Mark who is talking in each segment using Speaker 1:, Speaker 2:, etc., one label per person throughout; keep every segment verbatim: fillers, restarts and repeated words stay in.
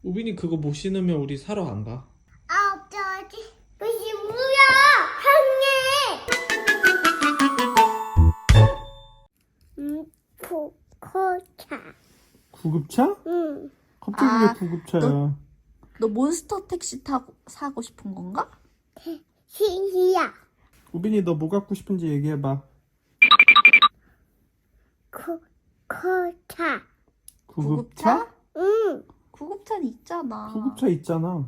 Speaker 1: 우빈이 그거 못 신으면 우리 사러 안 가.
Speaker 2: 아, 없어지. 무시 뭐야? 항해. 음, 코코차.
Speaker 1: 구급차?
Speaker 2: 응.
Speaker 1: 갑자기
Speaker 3: 아,
Speaker 1: 왜 구급차야?
Speaker 3: 너- 너 몬스터 택시 타고 사고 싶은 건가?
Speaker 2: 시시야.
Speaker 1: 우빈이 너 뭐 갖고 싶은지 얘기해봐.
Speaker 2: 코코차.
Speaker 1: 구급차?
Speaker 2: 응.
Speaker 3: 구급차는 있잖아.
Speaker 1: 구급차 있잖아.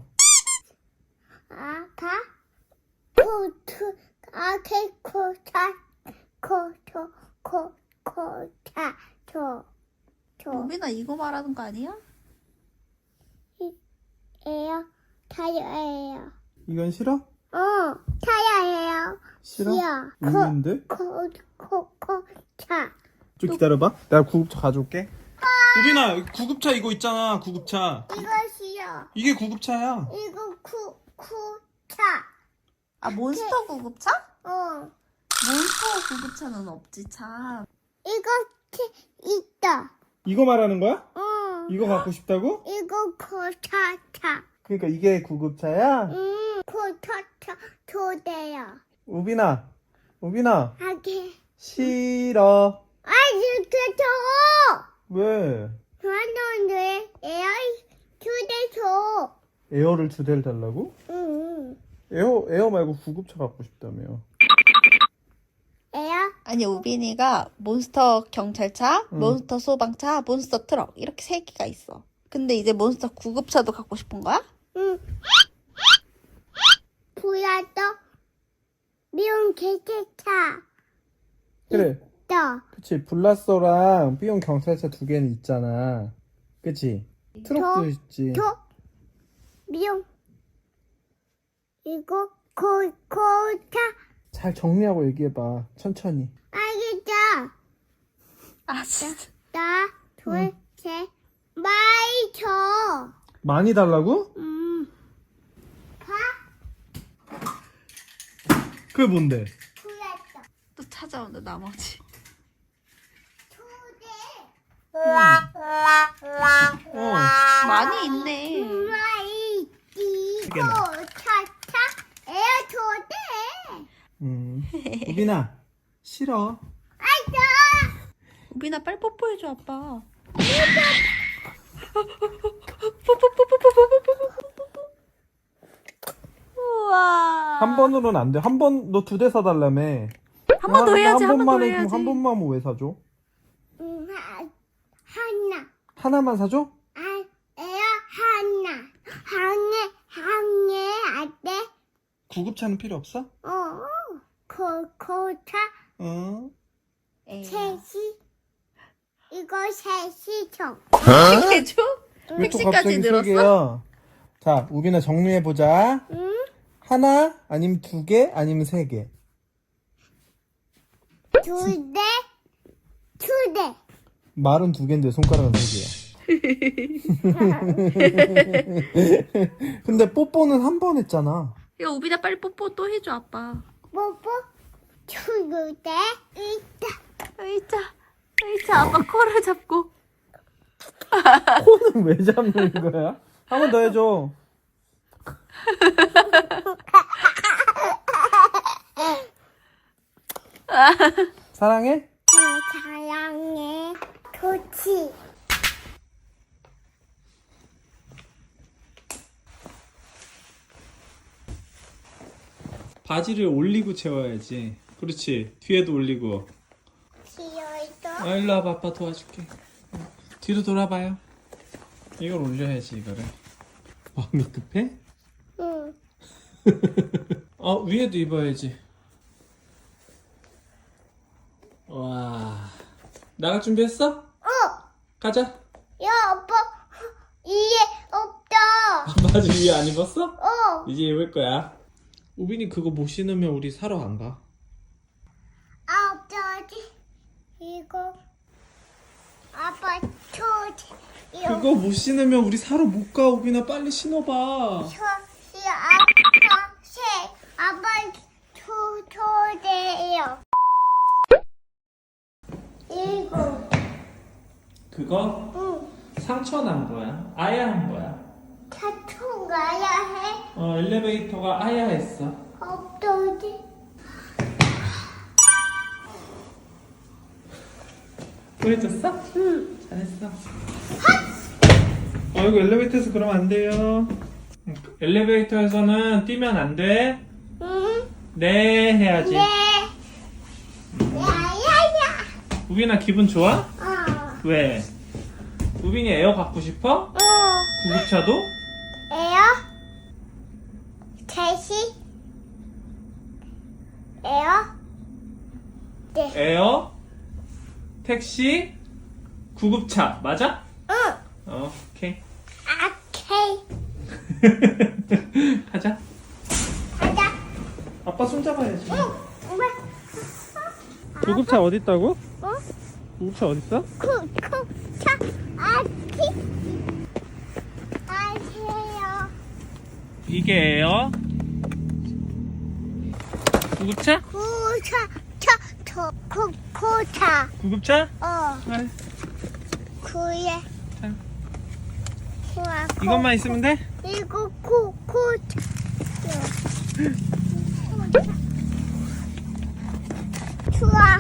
Speaker 2: 아파. 코트. 아케 코차. 코초. 코코차. 저. 저.
Speaker 3: 우빈아 이거 말하는 거 아니야?
Speaker 2: 에요. 타요예요.
Speaker 1: 이건 싫어?
Speaker 2: 어. 타요예요.
Speaker 1: 싫어?
Speaker 2: 싫어.
Speaker 1: 왜인데?
Speaker 2: 코, 코, 코, 차.
Speaker 1: 좀 기다려봐. 내가 구급차 가져올게. 우빈아, 구급차 이거 있잖아. 구급차.
Speaker 2: 이거 싫어.
Speaker 1: 이게 구급차야.
Speaker 2: 이거 쿠, 쿠, 차.
Speaker 3: 아 몬스터 구급차?
Speaker 2: 어.
Speaker 3: 몬스터 구급차는 없지 참.
Speaker 2: 이거 치, 있다.
Speaker 1: 이거 말하는 거야?
Speaker 2: 어.
Speaker 1: 이거 갖고 싶다고?
Speaker 2: 이거 코, 차, 차.
Speaker 1: 그러니까 이게 구급차야?
Speaker 2: 음, 코, 차, 차. 조대요.
Speaker 1: 우빈아, 우빈아,
Speaker 2: 하게.
Speaker 1: 싫어.
Speaker 2: 아, 이렇게 줘.
Speaker 1: 왜?
Speaker 2: 하는데, 에어, 조대 줘.
Speaker 1: 에어를 두 대를 달라고?
Speaker 2: 응.
Speaker 1: 에어, 에어 말고 구급차 갖고 싶다며.
Speaker 2: 에어?
Speaker 3: 아니 우빈이가 몬스터 경찰차,
Speaker 1: 응.
Speaker 3: 몬스터 소방차, 몬스터 트럭 이렇게 세 개가 있어. 근데 이제 몬스터 구급차도 갖고 싶은 거야?
Speaker 2: 응. 보여도 미운 개체차.
Speaker 1: 그래.
Speaker 2: 있다.
Speaker 1: 그치. 블라서랑 삐용 경찰차 두 개는 있잖아. 그치? 트럭도
Speaker 2: 저-
Speaker 1: 있지.
Speaker 2: 저 미용 이거 코 코차
Speaker 1: 잘 정리하고 얘기해봐. 천천히.
Speaker 2: 알겠죠?
Speaker 3: 아 진짜.
Speaker 2: 나 둘셋 많이 줘.
Speaker 1: 많이 달라고?
Speaker 2: 음. 봐.
Speaker 1: 그게 뭔데?
Speaker 2: 보였어.
Speaker 3: 또 찾아온다 나머지.
Speaker 2: 초대.
Speaker 1: 어.
Speaker 3: 많이 있네.
Speaker 2: 많이
Speaker 1: 세
Speaker 2: 이거
Speaker 1: 개나.
Speaker 2: 차차 에 초대.
Speaker 1: 음. 우빈아, 싫어.
Speaker 2: 아이자.
Speaker 3: 우빈아 빨리 뽀뽀해줘 아빠. 우와.
Speaker 1: 한 번으로는 안 돼. 한 번, 너 두 대 사달라며.
Speaker 3: 한 번 더
Speaker 1: 근데
Speaker 3: 해야지. 한 번 더
Speaker 1: 번만 해.
Speaker 3: 해야지.
Speaker 1: 그럼 한 번만 하면 왜 사줘?
Speaker 2: 음, 하- 하나.
Speaker 1: 하나만 사줘?
Speaker 2: 아, 에어 하나. 항해 항해 어때?
Speaker 1: 구급차는 필요 없어?
Speaker 2: 어. 코 코차
Speaker 1: 어.
Speaker 3: 에이.
Speaker 2: 셋이 이거 셋이 총.
Speaker 3: 해줘?
Speaker 1: 왜 또
Speaker 3: 택시까지
Speaker 1: 갑자기
Speaker 3: 늘었어?
Speaker 1: 세 개야? 자, 우빈아 정리해보자.
Speaker 2: 응?
Speaker 1: 하나, 아니면 두 개, 아니면 세 개.
Speaker 2: 두 대, 두 대.
Speaker 1: 말은 두 개인데 손가락은 세 개야. 근데 뽀뽀는 한 번 했잖아.
Speaker 3: 야 우빈아 빨리 뽀뽀 또 해줘 아빠.
Speaker 2: 뽀뽀. 두 대. 있다.
Speaker 3: 의자 의자 아빠 코를 잡고.
Speaker 1: 코는 왜 잡는 거야? 한 번 더 해줘. 사랑해?
Speaker 2: 어, 사랑해. 도치.
Speaker 1: 바지를 올리고 채워야지. 그렇지. 뒤에도 올리고.
Speaker 2: 시어이도.
Speaker 1: 아, 일로 와봐. 아빠 도와줄게. 뒤로 돌아봐요. 이걸 올려야지, 이거를. 마음이 급해?
Speaker 2: 응.
Speaker 1: 어, 위에도 입어야지. 와. 나갈 준비했어?
Speaker 2: 어.
Speaker 1: 가자.
Speaker 2: 야, 아빠. 이해 없다.
Speaker 1: 바지 위에 안 입었어?
Speaker 2: 어.
Speaker 1: 이제 입을 거야. 우빈이 그거 못 신으면 우리 사러 안 가.
Speaker 2: 아, 없다지. 이거. 아빠 초지. 이거.
Speaker 1: 그거 못 신으면 우리 사러 못 가. 우빈아 빨리 신어봐.
Speaker 2: 초시 아빠 새 아빠 초 초대요. 이거.
Speaker 1: 그거
Speaker 2: 응.
Speaker 1: 상처 난 거야. 아야 한 거야.
Speaker 2: 차총 가야 해.
Speaker 1: 어, 엘리베이터가 아야 했어.
Speaker 2: 없어지.
Speaker 1: 보여줬어? 응. 잘했어. 어, 이거 엘리베이터에서 그러면 안 돼요. 엘리베이터에서는 뛰면 안 돼.
Speaker 2: 응.
Speaker 1: 네, 해야지.
Speaker 2: 네. 야야야.
Speaker 1: 우빈아, 기분 좋아?
Speaker 2: 어.
Speaker 1: 왜? 우빈이 에어 갖고 싶어?
Speaker 2: 어.
Speaker 1: 구급차도?
Speaker 2: 에어. 대시. 에어. 네.
Speaker 1: 에어, 택시, 구급차. 맞아?
Speaker 2: 응.
Speaker 1: 어, 오케이.
Speaker 2: 아케이.
Speaker 1: 가자.
Speaker 2: 가자.
Speaker 1: 아빠 손 잡아야지.
Speaker 2: 응. 엄마.
Speaker 1: 구급차 어디 있다고?
Speaker 2: 어?
Speaker 1: 구급차 어디 있어?
Speaker 2: 쿠쿠차 아티. 아세요.
Speaker 1: 이게 에어. 구급차?
Speaker 2: 구차 차저 쿠쿠차.
Speaker 1: 구급차?
Speaker 2: 어.
Speaker 1: 네.
Speaker 2: 구에.
Speaker 1: 자,
Speaker 2: 구아.
Speaker 1: 이것만 있으면 돼?
Speaker 2: 이거 쿠쿠차. 좋아.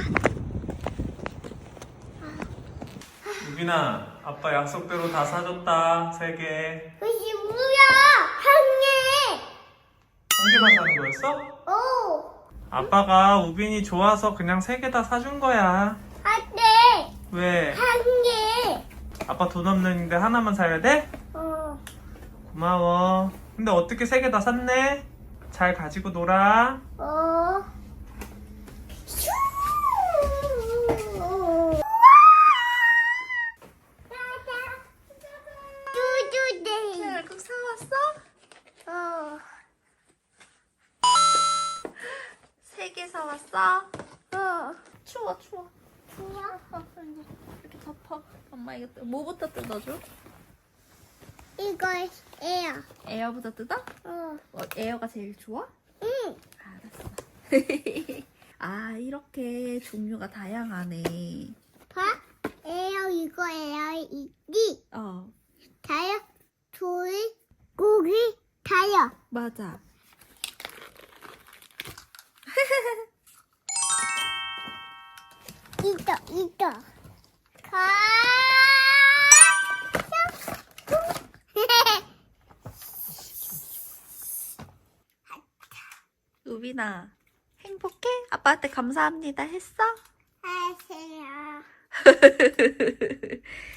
Speaker 1: 우빈아, 아빠 약속대로 다 사줬다. 세 개.
Speaker 2: 그게 뭐야? 한
Speaker 1: 한 개만 사는 거였어?
Speaker 2: 개. 오.
Speaker 1: 아빠가 우빈이 좋아서 그냥 세 개 다 사준 거야.
Speaker 2: 한 개.
Speaker 1: 왜?
Speaker 2: 한 개.
Speaker 1: 아빠 돈 없는데 하나만 사야 돼?
Speaker 2: 어.
Speaker 1: 고마워. 근데 어떻게 세 개 다 샀네? 잘 가지고 놀아.
Speaker 2: 어. 슈. 뚜뚜네.
Speaker 3: 꼭 사왔어?
Speaker 2: 어.
Speaker 3: 세 개 사왔어?
Speaker 2: 어.
Speaker 3: 추워 추워.
Speaker 2: 좋아.
Speaker 3: 이렇게 덮어. 엄마 이거 뜯- 뭐부터 뜯어줘?
Speaker 2: 이거 에어.
Speaker 3: 에어부터 뜯어?
Speaker 2: 어.
Speaker 3: 어, 에어가 제일 좋아?
Speaker 2: 응.
Speaker 3: 알았어. 아 이렇게 종류가 다양하네.
Speaker 2: 봐. 에어 이거 에어 이기.
Speaker 3: 어
Speaker 2: 다요. 둘. 고기. 다요.
Speaker 3: 맞아.
Speaker 2: 이거 이거. 가.
Speaker 3: 우빈아 행복해? 아빠한테 감사합니다 했어?
Speaker 2: 하세요.